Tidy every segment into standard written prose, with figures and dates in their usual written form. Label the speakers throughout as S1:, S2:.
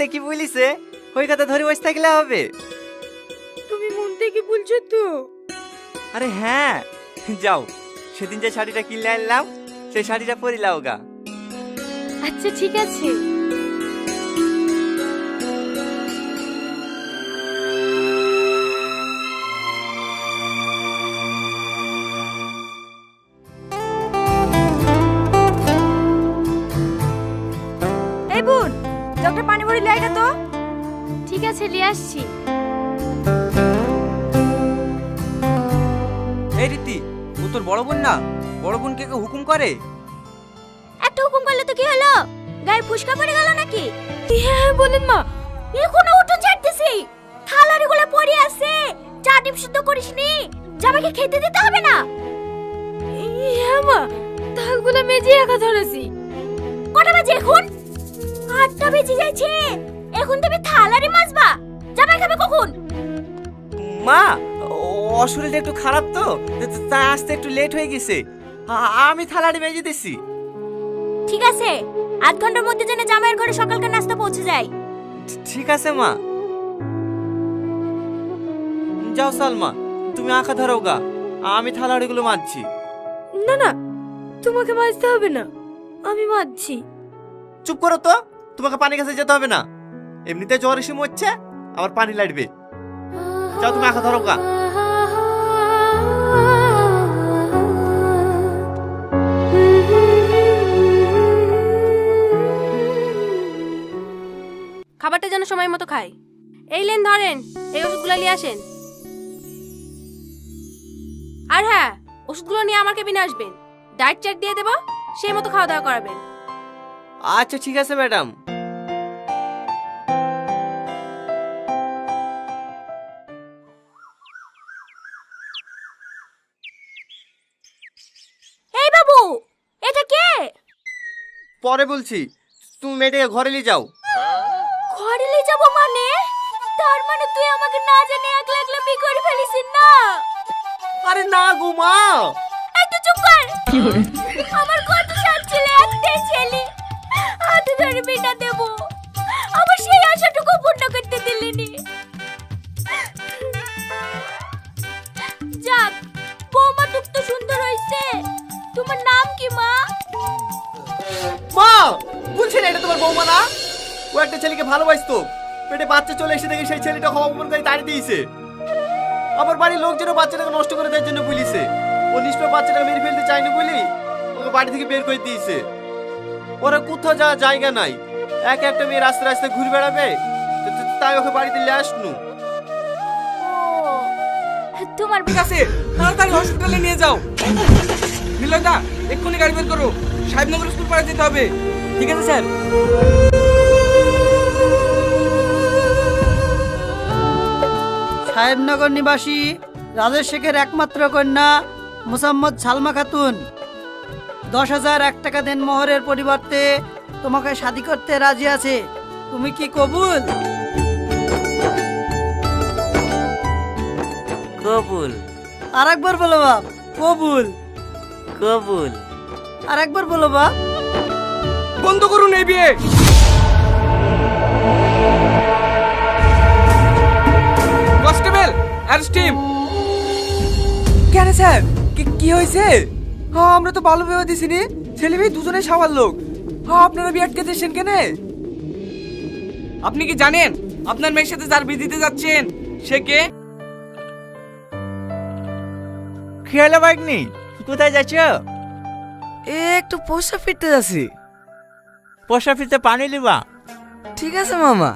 S1: যেটা কি বলিছে ওই কথা ধরে বসে থাকলে হবে?
S2: তুমি মন থেকে বলছো তো?
S1: আরে হ্যাঁ, যাও সেদিন যে শাড়িটা কিনে আনলাম সেই শাড়িটা পরে লাও গা।
S2: আচ্ছা ঠিক আছে। এই বোন, জগটা পানি ভরে লিয়ে আয় তো। ঠিক আছে, নিয়ে আসছি।
S1: এই রীতি, ও তোর বড় বোন না? বড় বোনকে কেউ হুকুম করে?
S2: একটা হুকুম করলে তো কি হলো? গায়ে ফুসকা পড়ে গেল নাকি? হ্যাঁ বলেন মা। এখনো উঠো ছাড়তেছি, থালারি গুলো পড়ে আছে, চা ডিম শুদ্ধ করিসনি, জামাইকে খেতে দিতে হবে না? হ্যাঁ মা, থালগুলো মেজে একা ধরেছি। কটা বাজে এখন? 8টা বেজে যাচ্ছে, এখন তুমি থালারি মাজবা? জামাই খাবে কখন?
S1: মা, ওর শরীরটা একটু খারাপ তো, তাই আসতে একটু লেট হয়ে গেছে। আমি থালাটি মেজে দিছি।
S2: ঠিক আছে, আধ ঘন্টার মধ্যে যেন জামাইয়ের ঘরে সকালকার নাস্তা পৌঁছে যায়।
S1: ঠিক আছে মা। যাও সালমা, তুমি আঁকা ধরো গা, আমি থালাড়িগুলো মাজছি।
S2: না না, তোমাকে মাজতে হবে না, আমি মাজছি।
S1: চুপ করো তো, তোমাকে পানি কাছে যেতে হবে না। এমনিতে জ্বর এসে মরছে, আবার পানি লাগবে। যাও তুমি আঁকা ধরো গা।
S3: খাবারটা যেন সময় মতো খায়। এই লেন ধরেন, এই ওষুধগুলো নিয়ে আসেন। আর হ্যাঁ, ওষুধগুলো নিয়ে আমার কেবিনে আসবেন, ডায়েট চার্ট দিয়ে দেবো, সেই মতো খাওয়া দাওয়া করাবেন।
S1: আচ্ছা ঠিক আছে ম্যাডাম।
S2: এই বাবু, এটা কে?
S1: পরে বলছি, তুমি মেয়েটাকে ঘরে নিয়ে যাও।
S2: ঘরে নিয়ে যাব মানে? তার মানে তুই আমাকে না জানি একলা একলা বিয়ে করে ফেলিস না?
S1: আরে না গো মা।
S2: এই তো চুপ কর। আমার কত সাত ছেলে, একটাই ছেলে, হাতে ধরে বিনা দেব, আবার সেই আশাটুকু পূর্ণ করতে দিলেনি। যাক, বৌমা টুক তো সুন্দর হয়েছে। তোমার নাম কি মা?
S1: মা, বলছি না এটা তোমার বৌমা না? ও একটা ছেলেকে ভালোবাসতো, পেটে বাচ্চা চলে এসে দেখে সেই ছেলেটা অপমান করে তাড়িয়ে দিয়েছে। আমার বাড়ির লোকজন বাচ্চাটাকে নষ্ট করে দেওয়ার জন্য বলিছে। ও নিষ্পাপ বাচ্চাটাকে মেরে ফেলতে চায়নি বলি ওকে বাড়ি থেকে বের করে দিয়েছে। ওরা কোথাও যাওয়ার জায়গা নাই, এক একটা মেয়ে রাস্তায় রাস্তায় ঘুরে বেড়াবে, তাই ওকে বাড়িতে নিয়ে আসনু।
S2: তোমার
S4: ঠিক আছে, তাড়াতাড়ি হসপিটালে নিয়ে যাও। মিলয়দা, এক্ষুনি গাড়ি বের করো, সাহেবনগর স্কুল পাড়ে যেতে হবে।
S1: ঠিক আছে স্যার।
S5: সাহেবনগর নিবাসী রাজেশ শেখের একমাত্র কন্যা মোসাম্মদ সালমা খাতুন 10,001 টাকা দেন মোহরের পরিবর্তে তোমাকে শাদী করতে রাজি আছে। তুমি কি কবুল?
S1: কবুল।
S5: আরেকবার বলো বাপ, কবুল।
S1: কবুল।
S5: আরেকবার বলো বাপ।
S4: বন্ধ করুন এই বিয়ে। Constable, arrest him. কেন স্যার, কি হয়েছে? হ্যাঁ, আমরা তো ভালো ভেবে দিছিনি, ছেলে মেয়ে দুজনে সাওয়ার লোক। হ্যাঁ, আপনারা বিয়ে আটকে দিয়েছেন কেন? আপনি কি জানেন আপনার মেয়ের সাথে যার বিয়ে দিতে যাচ্ছেন সে কে?
S1: খেয়ালে বাইক নেই, কোথায় যাচ্ছ?
S5: একটু পোষা ফিরতে যাচ্ছি।
S1: পোষা ফিরতে পানি লিবা।
S5: ঠিক আছে মামা।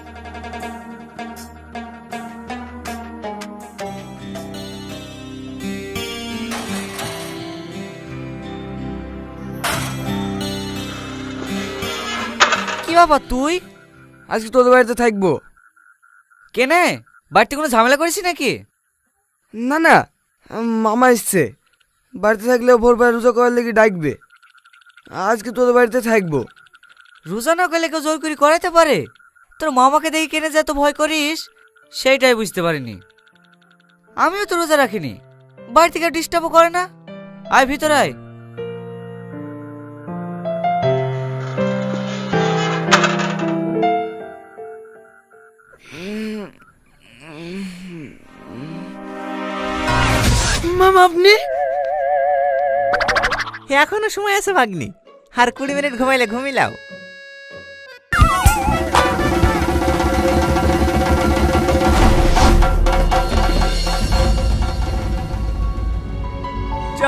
S5: কি বাবা তুই?
S4: আজকে তোদের বাড়িতে থাকবো।
S5: কেনে বাড়িতে কোনো ঝামেলা করেছি নাকি?
S4: না না, মামা এসছে, বাড়িতে থাকলে ভোরবেলা রোজা করার লেগে ডাকবে। আজকে তোদের বাড়িতে থাকবো।
S5: রোজা না করলে কেউ জোর করে করাইতে পারে? তোর মামাকে দেখে কেনে যা তো ভয় করিস, সেইটাই বুঝতে পারিনি। আমিও তো রোজা রাখিনি, বাড়ি থেকে ডিস্টার্বও করে না। আয় ভিতর আয়।
S4: ম্যাডাম আপনি?
S6: এখনো সময় আছে ভাগ্নি, আর 20 মিনিট ঘুমাইলে ঘুমিলাও।
S1: চা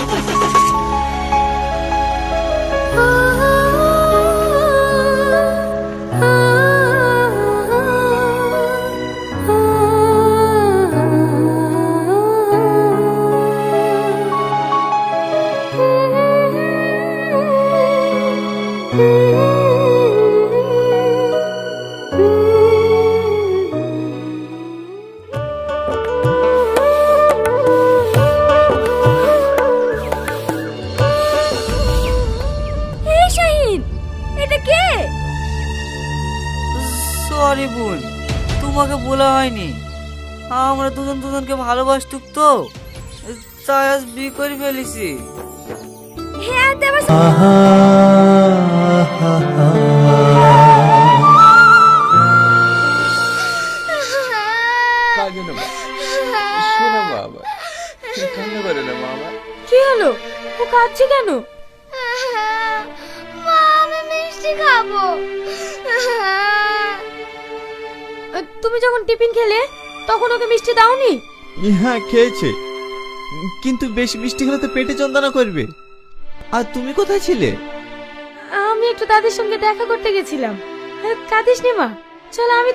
S2: এই শাহিন, এটা কে?
S5: সরি বোন, তোমাকে বলা হয়নি। আমরা দুজন দুজনকে ভালোবাসতুক তো, তাই আজ বিয়ে করে ফেলেছি।
S2: হ্যাঁ দেবা।
S3: কি হলো? ও কাঁদছে কেন?
S2: মা, আমি মিষ্টি খাবো।
S3: তুমি যখন টিফিন খেলে তখন ওকে মিষ্টি দাওনি?
S6: হ্যাঁ খেয়েছে, কিন্তু বেশি মিষ্টি খেলে তো পেটে যন্ত্রণা করবে। আর তুমি কোথায় ছিলে?
S3: আমি একটু দাদির সঙ্গে দেখা করতে গেছিলাম। কাঁদিস নি মা, চলো আমি।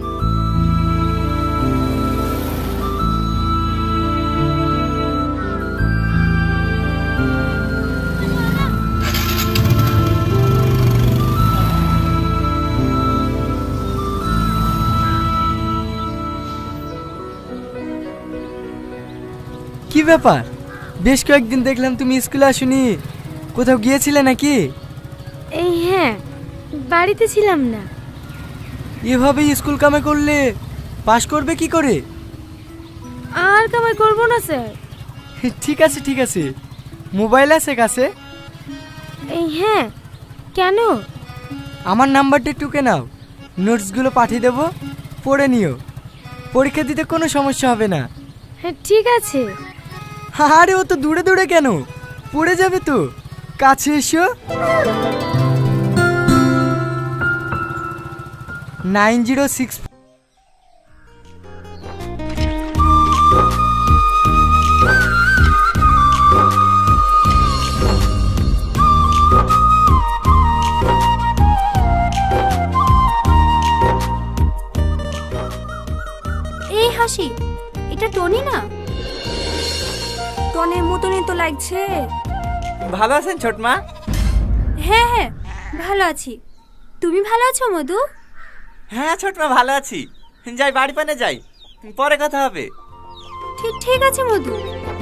S4: কি ব্যাপার, বেশ কয়েকদিন দেখলাম তুমি স্কুলে আসুনি, কোথাও গিয়েছিলে নাকি?
S2: এই হ্যাঁ, বাড়িতে ছিলাম না।
S4: এভাবেই স্কুল কামে করলে পাশ করবে কি করে?
S2: আর কামাই করবো না স্যার।
S4: ঠিক আছে ঠিক আছে, মোবাইল আছে কাছে?
S2: এই হ্যাঁ, কেন?
S4: আমার নাম্বারটা টুকে নাও, নোটসগুলো পাঠিয়ে দেবো, পড়ে নিও। পরীক্ষা দিতে কোনো সমস্যা হবে না।
S2: হ্যাঁ ঠিক আছে।
S4: আরে ও তো দূরে দূরে কেন, পড়ে যাবে তো, কাছে এসো। 9064।
S2: এই হাসি, এটা টনি না? টনের মতনই তো লাগছে।
S6: ভালো আছেন ছোট মা?
S2: হ্যাঁ হ্যাঁ, ভালো আছি। তুমি ভালো আছো মধু?
S6: হ্যাঁ ছোট মা ভালো আছি। যাই বাড়ি পানে যাই, পরে কথা হবে।
S2: ঠিক ঠিক আছে মধু।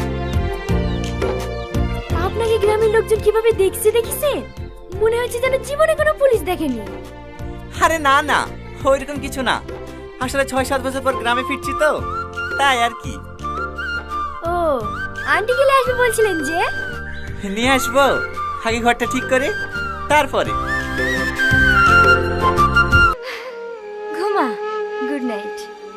S2: আপনাকে গ্রামের লোকজন কিভাবে দেখছে দেখিছে? মনে হচ্ছে যেন জীবনে কোনো পুলিশ দেখেনি।
S6: আরে না না, ওইরকম কিছু না, আসলে 6-7 বছর পর গ্রামে ফিরছি তো, তাই আর কি।
S2: ও, আন্টি গেলে আসবে বলছিলেন যে?
S6: নিয়ে আসবো, আগে ঘরটা ঠিক করে তারপরে।
S2: ঘুমা, গুড নাইট।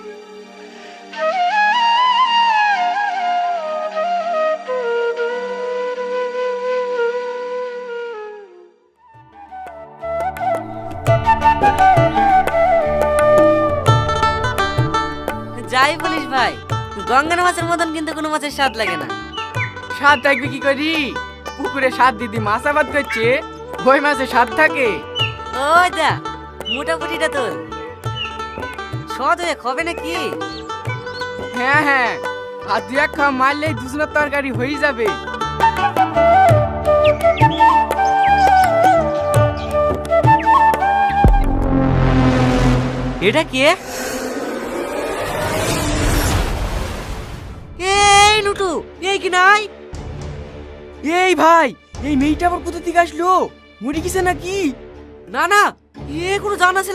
S5: যাই বলিস ভাই, গঙ্গার মাছের মতন কিন্তু কোনো মাছের স্বাদ লাগে না।
S4: স্বাদ থাকবে কি করি? পুকুরে স্বাদ দিদি মাছ আবাদ করছে, ওই মাছে স্বাদ থাকে।
S5: ওই দা মোটামুটিটা তোর সদ হয়ে খাবে নাকি?
S4: হ্যাঁ হ্যাঁ, আর 2-1 খাওয়া মারলেই দুজনের তরকারি হয়ে যাবে।
S5: এটা কে? এই নুটু, এই কি নাই?
S4: এই ভাই, এই মেয়েটা আবার কোথা থেকে আসলো? মরে গেছে নাকি?
S5: না না, এ কোনো জানা